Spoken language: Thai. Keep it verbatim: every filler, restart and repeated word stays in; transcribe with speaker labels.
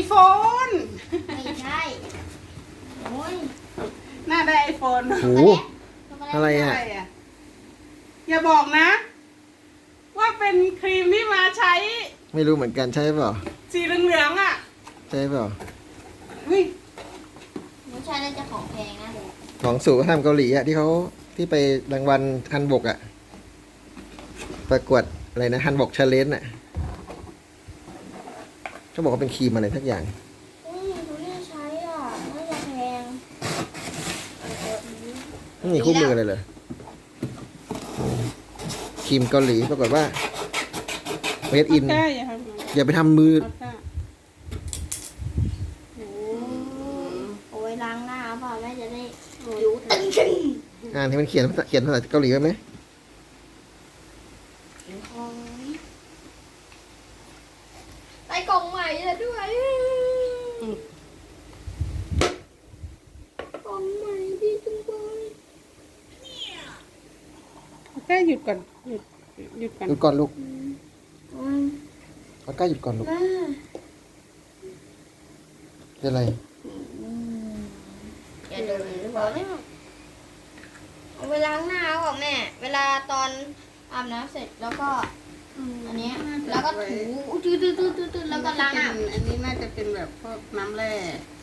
Speaker 1: โฟน
Speaker 2: ไม่ใช่โอ้ย
Speaker 1: น่าได้ไอโฟน
Speaker 3: โอ้โหอะไรอ่ะ
Speaker 1: อะไรอ่ะอย่าบอกนะ ว่าเป็นครีมที่มาใช้
Speaker 3: ไม่รู้เหมือนกันใช่เปล่า
Speaker 1: สีเหลืองๆอ่ะ
Speaker 3: ใช่เปล่า
Speaker 1: อุ้ย
Speaker 2: ไม่ใช่น่าจะของแพงนะเด็ก
Speaker 3: ของสู่วัฒนธรรมเกาหลีอ่ะที่เขาที่ไปรางวัลฮันบกอ่ะประกวดอะไรนะฮันบกชาเลนจ์อ่ะเขาบอกว่าเป็นครีมอะไรทักอย่าง
Speaker 2: อุ้ยดูน่าใช้อ่ะน่าจะแพง
Speaker 3: ไม่มีคู่มือเลยเหรอครีมเกาหลีปรากฏว่าเมดอิน
Speaker 1: ใช่อย่าทำ
Speaker 3: อย่าไปทำมือ
Speaker 1: เอาค่ะโอ้
Speaker 2: เอาไว้ล้างหน้าเปล่าแม่จะได้ผิวตึงตึง
Speaker 3: อ่านที่มันเขียนภาษาเขียนภาษาเกาหลีไว้ไหม
Speaker 2: ได้กล่องใหม่แล้วด้วยกล่องใหม่ดีจังเลย
Speaker 1: แค่หยุดก่อนหยุดหยุดก่อน
Speaker 3: หยุดก่อนลูก
Speaker 2: อืม
Speaker 3: เอาใกล้หยุดก่อนลูก
Speaker 2: แม่
Speaker 3: เป็นอะไร
Speaker 2: อย่าดูหรือเปล่าเนี่ยเอาไปล้างหน้าก่อนแม่ เวลาตอนอาบน้ำเสร็จแล้วก็อันเนี้ยแล้วก็ถูตื้อตื้อตื้อตื้อแล้วก็ล้างอ่ะ
Speaker 1: อันนี้น่าจะเป็นแบบพวกน้ำแร่